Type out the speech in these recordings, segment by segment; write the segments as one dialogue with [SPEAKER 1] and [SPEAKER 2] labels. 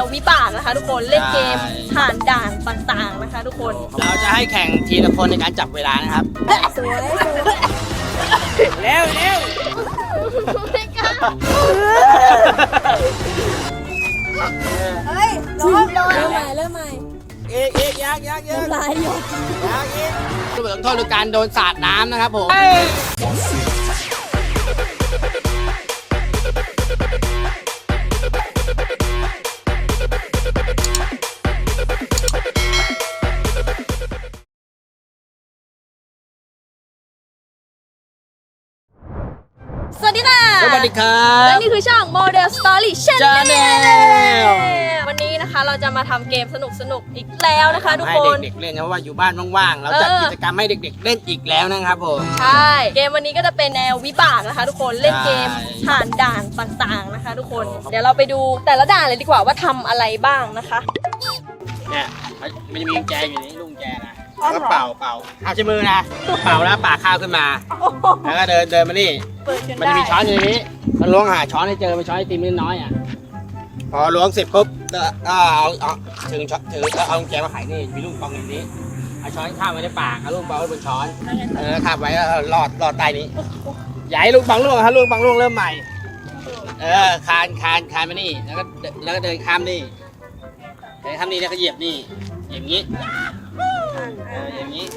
[SPEAKER 1] วิบากนะคะทุกคนเล่นเกมผ่านด่านต่างๆนะคะทุกคน
[SPEAKER 2] เราจะให้แข่งทีละคนในการจับเวลานะครับ
[SPEAKER 3] สวย
[SPEAKER 2] เร็วเร็ว
[SPEAKER 3] เฮ้ยเริ่มใหม่
[SPEAKER 2] อีกยัก
[SPEAKER 3] น้ำลายหยด
[SPEAKER 2] รูปแบบต้องโทษคือการโดนสาดน้ำนะครับผม
[SPEAKER 1] สวัสดีค่ะ
[SPEAKER 2] สวัสดีครับ
[SPEAKER 1] และนี่คือช่อง Model Story Channel วันนี้นะคะเราจะมาทำเกมสนุกอีกแล้วนะคะทุกคน
[SPEAKER 2] ให้เด็กๆเล่นนะว่าอยู่บ้านว่างๆเราจัดกิจกรรมให้เด็กๆเล่นอีกแล้วนะครับผม
[SPEAKER 1] ใช่เกมวันนี้ก็จะเป็นแนววิบากนะคะทุกคนเล่นเกมผ่านด่านต่างๆนะคะทุกคนเดี๋ยวเราไปดูแต่ละด่านเลยดีกว่าว่าทำอะไรบ้างนะคะ
[SPEAKER 2] เนี่ยมันจะมีกุญแจอยู่นี่ลุงแจนะแล้วก็เป่าเอาใช้มือนะเป่าแล้วปากข้าวขึ้นมาแล้วก็เดินมานี่มันจะมีช้อนอยู่ในนี้มันล้วงหาช้อนให้เจอเป็นช้อนไอติมนิดน้อยอ่ะพอล้วงเสร็จปุ๊บก็เอาถือเอากุญแจมาไขนี่มีลูกปองอย่างนี้เอาช้อนข้าวไว้ในปากเอาลูกปองไว้บนช้อนคาบไว้แล้วรอดใต้นี้อย่าให้ลูกปองล่วงฮะลูกปองล่วงเริ่มใหม่คานมานี่แล้วก็เดินข้ามนี่เดินข้ามนี่แล้วก็เหยียบนี่อย่างนี้อย่างนี้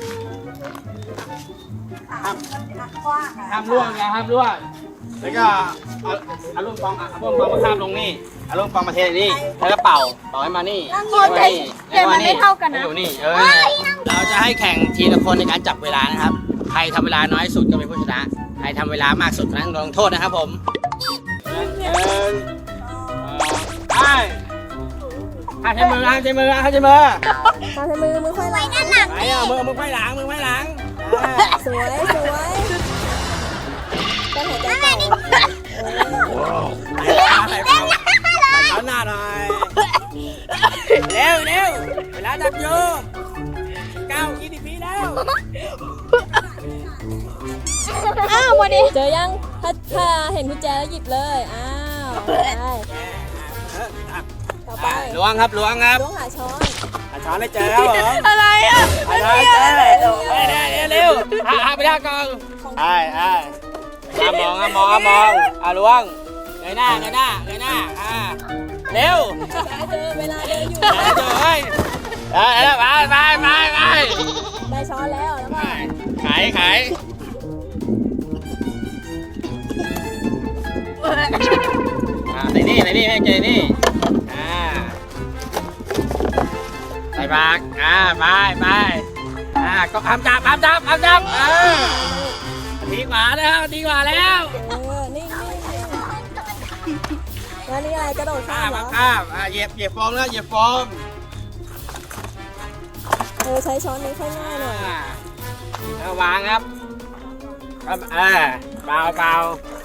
[SPEAKER 2] ห้ามล่วงนะห้ามล่วงแล้วก็เอาลูกปองมาข้ามลงนี่เอาลูกปองมาเทนี่แล้วก็เป่าให้มานี่
[SPEAKER 1] เกมมันไม่เท่ากันนะ
[SPEAKER 2] อยู่นี่เราจะให้แข่งทีละคนในการจับเวลานะครับใครทำเวลาน้อยสุดก็เป็นผู้ชนะใครทำเวลามากสุดนั้นลงโทษนะครับผมห้ามใช้มือมือ
[SPEAKER 3] ค่อยหลัง
[SPEAKER 2] ไปมือค่อยหลัง
[SPEAKER 3] สวยก็หายใจเป่า
[SPEAKER 2] ช้อนหน้าหน่อยเร็วเวลาจับโย9 20 ปีแล้ว
[SPEAKER 1] วันนี้
[SPEAKER 3] เจอยังถ้าเห็นกุญแจแล้วหยิบเลยต่อไป
[SPEAKER 2] ล้วงครับ
[SPEAKER 3] ล้วงหาช้อน
[SPEAKER 2] ให้เจอครับผม
[SPEAKER 1] อะไรอ่ะ
[SPEAKER 2] ช้อนให้เจอเร็วหาไปได้ก่อนมองล้วงเงยหน้าเร็ว
[SPEAKER 3] เจอเวลาเดินอยู่
[SPEAKER 2] แล้วไป
[SPEAKER 3] ได้ช้อนแล้วก็
[SPEAKER 2] ขายใส่นี่ให้เจนี่ใส่ปากไปก็ทำจับดีกว่าแล้วนิ่ง
[SPEAKER 3] แล้วนี่อะไรกระโดดข้ามเหรอ
[SPEAKER 2] เหยียบโฟมแล้วเหยียบโฟม
[SPEAKER 3] ใช้ช้อนนี้ค่อยง่ายหน่อย
[SPEAKER 2] แล้ววางครับเปล่า
[SPEAKER 3] กบ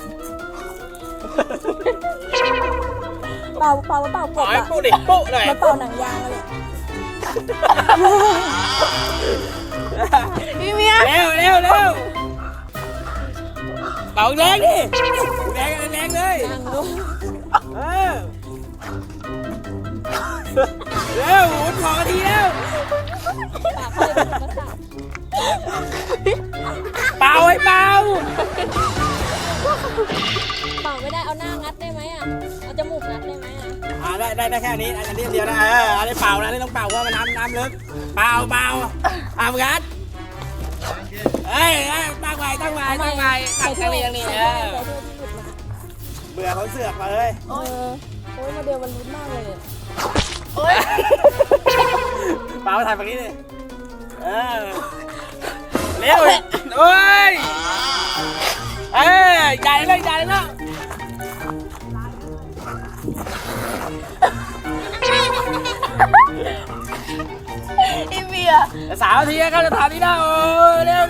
[SPEAKER 2] ปุ๊ดิปุ๊เลย
[SPEAKER 3] มาเป่าหนังยางเลย
[SPEAKER 1] พี่เมีย
[SPEAKER 2] เร็วเป่าแรงดิแรงเลยเร็วหมุน2 นาทีแล้วเป่า
[SPEAKER 3] ไม่ได้เอาหน้างัดได้ไหมเอาจมูกงัดได้ไหม
[SPEAKER 2] ได้แค่นี้อันนี้เดียวนะอันนี้เป่านะนี่ต้องเป่าเพราะว่าน้ำลึกเป่างัดตั้งไว้อย่างนี้เบื่อเขาเสือกมาเลย
[SPEAKER 3] โอ้ยมาเดียวมันลุ้นมากเลย
[SPEAKER 2] เป่าถ่ายแบบนี้เลยเร็วใหญ่เลย
[SPEAKER 1] อีเมีย
[SPEAKER 2] 3 นาทีก็จะทำนี่ได้เร็ว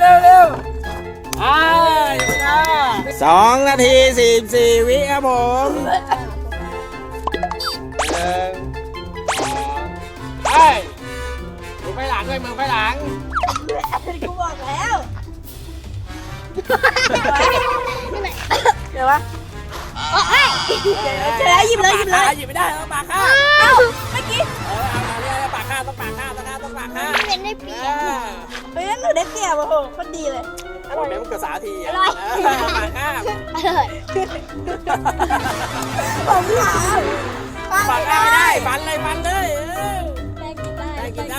[SPEAKER 2] 2 นาที 44 วิครับผมมือไปหลังด้วย
[SPEAKER 3] กูบอกแล้ว
[SPEAKER 1] เดี๋ยววะ
[SPEAKER 3] เจอแล้วหยิบเลย
[SPEAKER 2] หยิบไม่ได้ปากข้า
[SPEAKER 3] ได้เปรียบ
[SPEAKER 1] เฮ้ยหนูได้เปรียบโอ้โหคนดีเลย
[SPEAKER 2] อร่อยไหมมันเกิดสาที
[SPEAKER 3] อร่อย
[SPEAKER 2] ปากข้าม
[SPEAKER 3] อร่อย
[SPEAKER 1] ผมถาม
[SPEAKER 2] ปากข้ามไม่ได้ฟันเลยฟันเลย
[SPEAKER 1] แป้งกินได้
[SPEAKER 2] ได้กินได้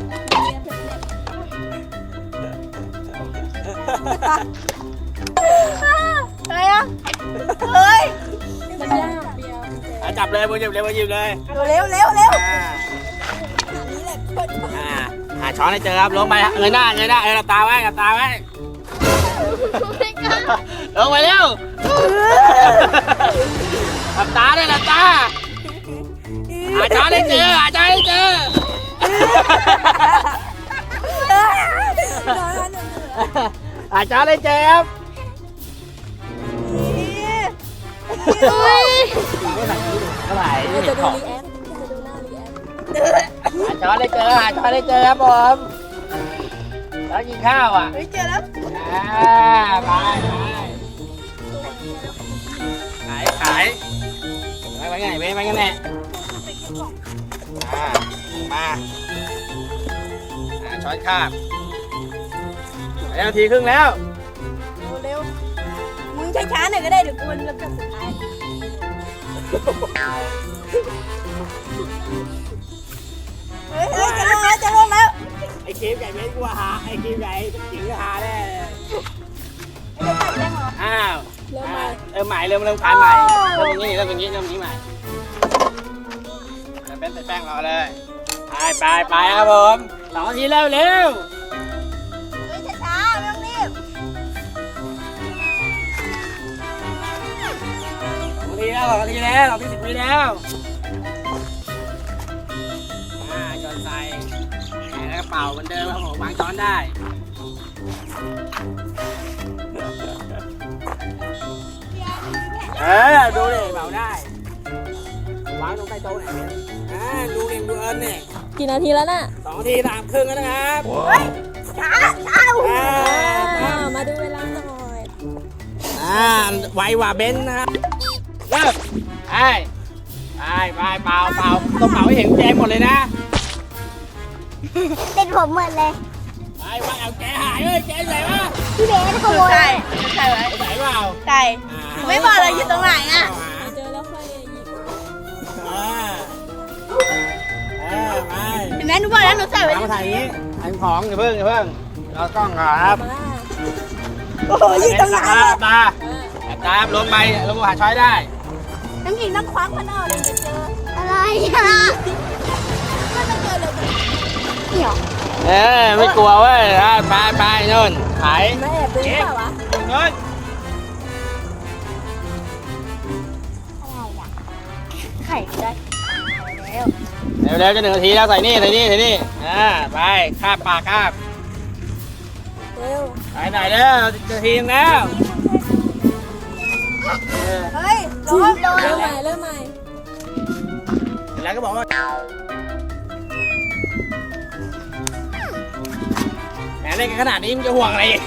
[SPEAKER 1] อะไรอ่ะเฮ้ยมันยากเดียว
[SPEAKER 2] จับเลยมือหยิบเลยมือหยิบเลย
[SPEAKER 1] เร็วเร็วเร็ว
[SPEAKER 2] หาช้อนให้เจอครับลงไปเงยหน้าหลับตาไว้หลับตาไว้ลงไปเร็วหลับตาได้หลับตาหาช้อนให้เจอหาช้อนให้เจอหาช้อนให้เจอครับเท่าไหร่
[SPEAKER 1] จะดู
[SPEAKER 2] ของ
[SPEAKER 1] รีแอคจะดูหน้ารีแอค
[SPEAKER 2] หาช้อนให้เจอหาช้อนให้เจอครับผมแล้วกินข้าวอ่ะ
[SPEAKER 1] เฮ้ยเจอแล้ว
[SPEAKER 2] ไปขายไปไงไปกันแน่มาช้อนคาบนาทีครึ่งแล้ว
[SPEAKER 1] เร็วมึงช้าๆหน่อยก็ได้เดี๋ยวกูมันลำดับสุดท้ายเฮ้ยจะลงแล้ว
[SPEAKER 2] ไอ้ครีมใหญ่เม้นกูหาไอ้ครีมใหญ่จิ๋งหาแน่อ้าวเริ่มใหม่เริ่มขายใหม่เริ่มอย่างนี้ใหม่เป็นแป้งรอเลยไปครับผม2 นาทีเร็ว
[SPEAKER 1] เฮ้ยช้าๆไม่ต้องรีบ
[SPEAKER 2] 2 นาทีแล้วเราที่10 วิแล้วจนใส่แล้วก็เป่าเหมือนเดิมครับผมวางช้อนได้ดูดิเป่าได้วางตรงใต้โต๊ะไหนเนี่ยดูเองดูเอิญเนี่ย
[SPEAKER 1] กี่นาทีแล้วน่ะ
[SPEAKER 2] 2 นาที3 ครึ่งแล้วนะครับ
[SPEAKER 1] ช้ามาดูเวลาหน่อย
[SPEAKER 2] ไวกว่าเบนซ์นะครับเริ่มไปเป่าต้องเป่าให้เห็นแจงหมดเลยนะ
[SPEAKER 3] เป็นผมหมดเลย
[SPEAKER 2] ไปเอาแกหายเลยแกไหนวะ
[SPEAKER 3] พี่เบสขโมย
[SPEAKER 1] ใช่ไว้
[SPEAKER 2] ไหนเปล่า
[SPEAKER 1] ใช่ไม่บอกเลยอยู่ตรงไหนอ่ะ
[SPEAKER 3] เจอแล้วค่อยหยิบ
[SPEAKER 2] ไป
[SPEAKER 1] เห็นไหมหนูบอกแล้วหนูใส่ไว้
[SPEAKER 2] มาถ่ายนี้ถ่ายของอย่าเพิ่งเรากล้องครับ
[SPEAKER 1] โอ้โหอยู่ตรงไหน
[SPEAKER 2] ตาลงไปลงหาช้อยได้
[SPEAKER 1] น้ำหญิงต้องคว้ามันออกเลยจะเจอ
[SPEAKER 3] อะไรอ่ะ
[SPEAKER 1] ก็จะเจอเลย
[SPEAKER 3] เดี๋ยว
[SPEAKER 2] ไม่กลัวเว้ยไปนู่นขาย
[SPEAKER 1] มาแอบดูหรือเปล่าวะ
[SPEAKER 2] ตรงนู้น
[SPEAKER 1] ไข่ได้แล้ว
[SPEAKER 2] เร็วจะ1 นาทีแล้วใส่นี่ไปคาบปากคาบ
[SPEAKER 1] เร็ว
[SPEAKER 2] ไปไหนแล้ว1 นาทีแล้ว
[SPEAKER 1] เฮ้ยลงเริ่มใหม่
[SPEAKER 2] แล้วก็บอกว่าแหมเล่นกันขนาดนี้มึงจะห่วงอะไรอีก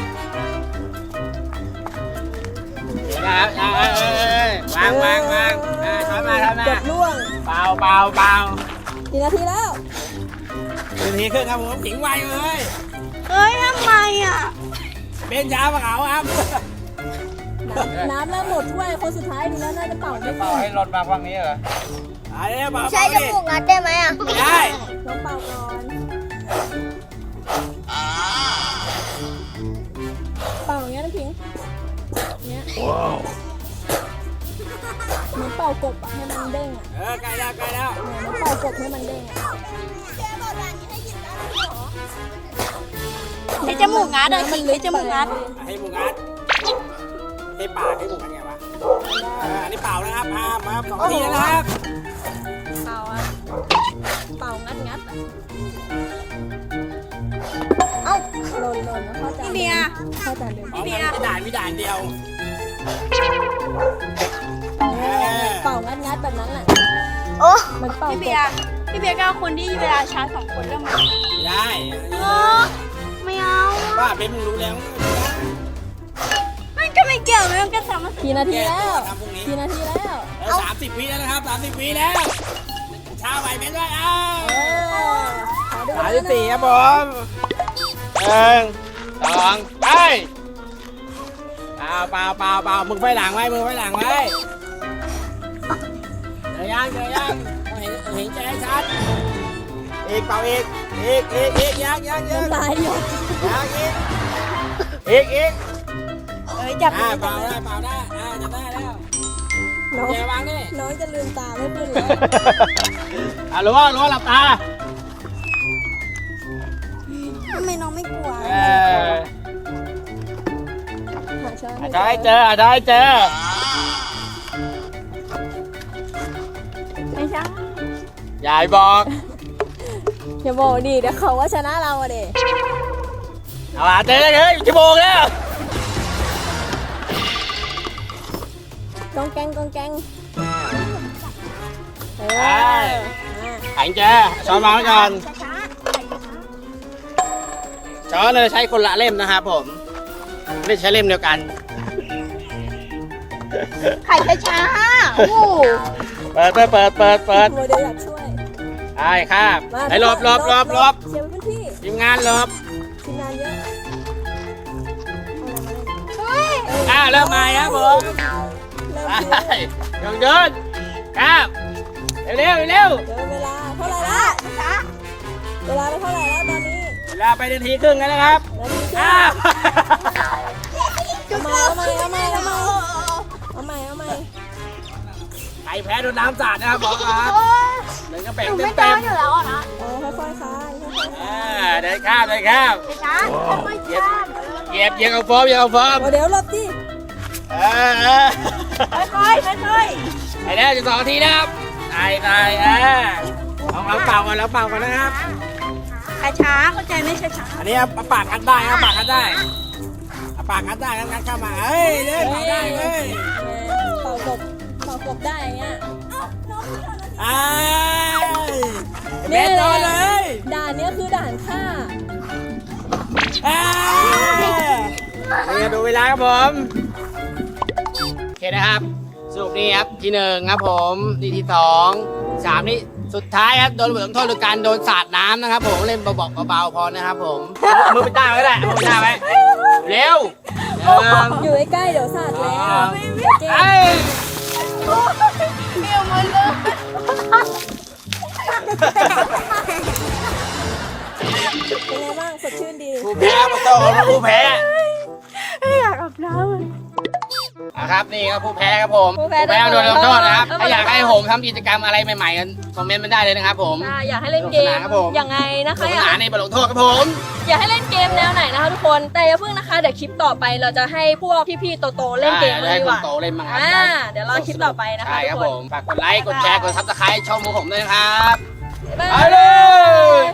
[SPEAKER 2] นะครับวางช้อนมา
[SPEAKER 1] เกือบล่วง
[SPEAKER 2] เปล่า
[SPEAKER 1] กี่นาทีแล้ว
[SPEAKER 2] 1 นาทีครึ่งครับผมถิงไวเลย
[SPEAKER 1] เฮ้ยทำไมอ่ะ
[SPEAKER 2] เป็นยาปะเขาครับ
[SPEAKER 1] น้ำเริ่มหมดถ้วยคนสุดท้ายดีแล้วน่าจะเป่าไม่
[SPEAKER 2] เป่าให้รถมาฝั่งนี้เหรอเป่า
[SPEAKER 3] ใช้จมูกงัดได้ไหมอ่ะ
[SPEAKER 2] ไม่ได้
[SPEAKER 1] ลองเป่าก่อนเป่าอย่างเงี้ยนะพิงเงี้ยเหมือนเป่ากบอะให้มันเด้งอะ
[SPEAKER 2] ใกล้แล้ว
[SPEAKER 1] เหมือนเป่ากบให้มันเด้งอะใช้จมูกงัดอะมันเลยจมูกงัด
[SPEAKER 2] ให้หมูงัดให้ปากให้หมูงัดไงวะอันนี้เป่านะครับมา2 นาทีแล้วนะครับ
[SPEAKER 1] เป่าอะเป่างัดอะเอ้าหล่นนะพ่อจานพ่อจานเดิม
[SPEAKER 2] มีด่านเดียว
[SPEAKER 1] เป่างัดแบบนั้นแหละ
[SPEAKER 3] โอ้
[SPEAKER 1] มันเป่ากบ
[SPEAKER 4] พี่เบียร์ก็เอาคนที่เวลาช้า2 คนเริ่มมา
[SPEAKER 2] ไม่ได้
[SPEAKER 3] ไม่เอา
[SPEAKER 2] ว่าเป็นมึงรู้แล้ว
[SPEAKER 4] มันก็ไม่เกี่ยวมันก็สามารถ
[SPEAKER 1] กี่นาทีแล้ว
[SPEAKER 2] ทำพรุ่งนี้
[SPEAKER 1] กี่นาทีแล้ว
[SPEAKER 2] 30 วิแล้วนะครับ30 วิแล้วช้าไหวเป็นด้วย
[SPEAKER 1] ขอดูเวลา
[SPEAKER 2] 34ครับผม1 2ไปเปล่ามึงไฟหลังไว้เดี๋ยวยังเห็นใจชัดอีกเปล่าอีกยัง
[SPEAKER 3] น้ำลายหยด
[SPEAKER 2] อีก
[SPEAKER 4] จับ
[SPEAKER 2] เปล่าได้จะได้แล้ว
[SPEAKER 3] น้อง
[SPEAKER 2] แกวางนี่
[SPEAKER 3] น้องจะลืมตาไม่ขึ้นแล้ว
[SPEAKER 2] รู้ว่าหลับตา
[SPEAKER 4] ทำไมน้องไม่กลัว
[SPEAKER 3] หาช้อน
[SPEAKER 2] อาจจะให้เจอ
[SPEAKER 4] ไม่ใช่
[SPEAKER 2] ยายบอก
[SPEAKER 3] อย่าบอกดิเดี๋ยวเขาว่าชนะเราอะเด็
[SPEAKER 2] เอาเจอเลยชั่วโมงแล้ว
[SPEAKER 3] กองแกง
[SPEAKER 2] แข็งเจอช้อนวางไว้ก่อนช้อนเราใช้คนละเล่มนะครับผมไม่ใช้เล่มเดียวกัน
[SPEAKER 4] ไข่ช้าๆโอ้โห
[SPEAKER 2] เปิด
[SPEAKER 3] โมเดลอยากช่วย
[SPEAKER 2] ไอ้ครับไอ้หลบ
[SPEAKER 3] เชียร์ไว้พื้นที่
[SPEAKER 2] ทีมงานหลบ
[SPEAKER 3] ทีมงานเยอะ
[SPEAKER 2] เริ่มใหม่ครับผม
[SPEAKER 3] เริ่ม
[SPEAKER 2] ไปเดินครับเร็ว
[SPEAKER 3] เดินเวลาเท่าไหร่ละเวลาไปเท่าไหร่แล้วตอนนี้
[SPEAKER 2] เวลาไปนาทีครึ่งแล้วนะครับ
[SPEAKER 3] นาทีครึ่ง
[SPEAKER 2] อ้าว
[SPEAKER 3] เอาใหม่
[SPEAKER 2] ใครแพ้โดนน้ำสาดนะครับบอกครับหนึ่งกระเป๋ง
[SPEAKER 4] ไม่เจ
[SPEAKER 2] เต็
[SPEAKER 4] อ
[SPEAKER 2] ม
[SPEAKER 4] อยู่แล้วนะ
[SPEAKER 3] ค่อยๆคลายค่อยๆคลาย
[SPEAKER 2] เดินข้าม
[SPEAKER 4] ช้าไม่
[SPEAKER 2] เหยียบ
[SPEAKER 4] ช้า
[SPEAKER 2] เหยียบเอาโฟม
[SPEAKER 3] โมเดลหลบดิ
[SPEAKER 4] ค่อย
[SPEAKER 2] ไอ้เนี่ยจะ2 นาทีนะครับตายเอาเป่าก่อนนะครับ
[SPEAKER 4] ช้าเข้าใจไม่ช้า
[SPEAKER 2] อันนี้เอาปากกันได้ครับปากกันได้งัดเข้ามาเฮ้ยเล่นเป่าได้เว้ย
[SPEAKER 3] เป่ากบได้อย่างเงี้ย
[SPEAKER 2] ไอ้เบสโดนเลย
[SPEAKER 3] ด่านเนี้ยคือด่านฆ่า
[SPEAKER 2] นี่ดูเวลาครับผมโอเคนะครับสรุปนี่ครับที่1ครับผมที่2 3นี่สุดท้ายครับโดนบทลงโทษโดยการโดนสาดน้ำนะครับผมเล่นเบาๆพอนะครับผมมือไปต้าไว้ก็ได้มือไปต้าไว้เร็ว
[SPEAKER 3] อยู่ใกล้ๆเดี๋ยวสาดแล้ว
[SPEAKER 2] ไอ้
[SPEAKER 4] เบี้ยวหมดเลย
[SPEAKER 3] เป็นไงบ้างสดชื่นดี
[SPEAKER 2] ผู้แพ้มาโต้ผู้แพ้
[SPEAKER 4] อยากอาบน้ำ
[SPEAKER 2] ครับนี่ครับผู้แพ้ครับผม
[SPEAKER 1] ผู้แพ้
[SPEAKER 2] โดนลงโทษนะครับ
[SPEAKER 1] เออ
[SPEAKER 2] ถ้าอยากให้ผมทำกิจกรรมอะไรใหม่ๆกันคอมเมนต์มาได้เลยนะครับผม
[SPEAKER 1] อยากให้เล่นเก
[SPEAKER 2] สนุกส
[SPEAKER 1] ม
[SPEAKER 2] นานครับผม
[SPEAKER 1] ยังไงนะคะ
[SPEAKER 2] สนุกสนานในบทลงโทษครับผม
[SPEAKER 1] อยากให้เล่นเกมแนวไหนนะคะทุกคนแต่อย่าเพิ่งนะคะเดี๋ยวคลิปต่อไปเราจะให้พวกพี่ๆโตๆเล่นเกมกัน
[SPEAKER 2] ให้
[SPEAKER 1] ดี
[SPEAKER 2] ค
[SPEAKER 1] ก
[SPEAKER 2] น
[SPEAKER 1] ว่า
[SPEAKER 2] โตเล่นบ้างครับ
[SPEAKER 1] เดี๋ยวรอคลิปต่อไปนะคะ
[SPEAKER 2] ใช่ค
[SPEAKER 1] ทุ
[SPEAKER 2] รับ
[SPEAKER 1] กค
[SPEAKER 2] ผ
[SPEAKER 1] น
[SPEAKER 2] มฝากกดไลค์กดแชร์กดซับสไครต์ช่องของผมด้วยนะครับ
[SPEAKER 1] บ๊าย
[SPEAKER 2] ไป
[SPEAKER 1] บาย
[SPEAKER 2] เลย